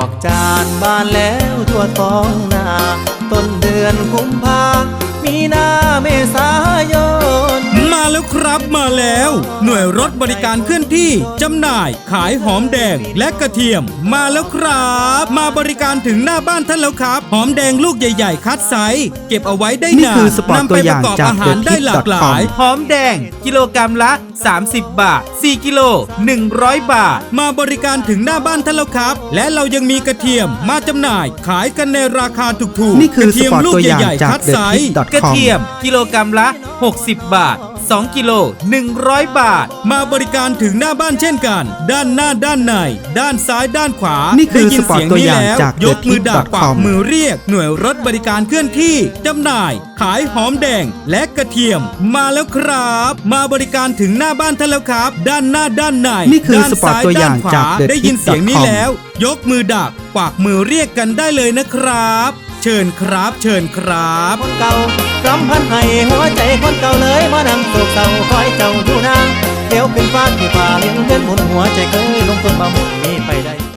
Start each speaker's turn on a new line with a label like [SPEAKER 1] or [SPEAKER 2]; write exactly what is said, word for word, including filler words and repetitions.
[SPEAKER 1] อกจานบานแล้วทั่วท้องนาต้นเดือนกุมภามีนาเมษายน
[SPEAKER 2] มาแล้วครับมาแล้วหน่วยรถบริการเคลื่อนที่จำหน่ายขายหอมแดงและกระเทียมมาแล้วครับมาบริการถึงหน้าบ้านท่านแล้วครับหอมแดงลูกใหญ่ๆคัดไซส์เก็บเอาไว้ได้นานนำไปประกอบอาหารได้หลากหลายหอมแดงกิโลกรัมละสามสิบบาทสี่กิโลหนึ่งร้อยบาทมาบริการถึงหน้าบ้านท่านแล้วครับและเรายังมีกระเทียมมาจำหน่ายขายกันในราคาถูกๆ
[SPEAKER 3] นี่คือสปอร์ตตัวอย่างจาก
[SPEAKER 2] คัดไซส์กระเทียมกิโลกรัมละหกสิบบาทสองกิโลหนึ่งร้อยบาทมาบริการถึงหน้าบ้านเช่นกันด้านหน้าด้านในด้านซ้ายด้านขวานี่คือสปอร์ตตัวอย่างจากยกมือดักปากมือเรียกหน่วยรถบริการเคลื่อนที่จำหน่ายขายหอมแดงและกระเทียมมาแล้วครับมาบริการถึงหน้าบ้านท่านแล้วครับด้านหน้าด้านใน
[SPEAKER 3] นี่คือสปอร์ตตัวอย่างจาก
[SPEAKER 2] ได้ยินเสียงนี้แล้วยกมือดักปากมือเรียกกันได้เลยนะครับเชิญครับเชิญครับ
[SPEAKER 1] คนเก่ารำพันให้หัวใจคนเก่าเลยมานั่งโศกเศร้าคอยเจ้าอยู่นางเดี๋ยวขึ้นฟ้าที่ฟ้าเลี้ยงเงินหมุนหัวใจเคยลงต้นมาหมุนนี้ไปได้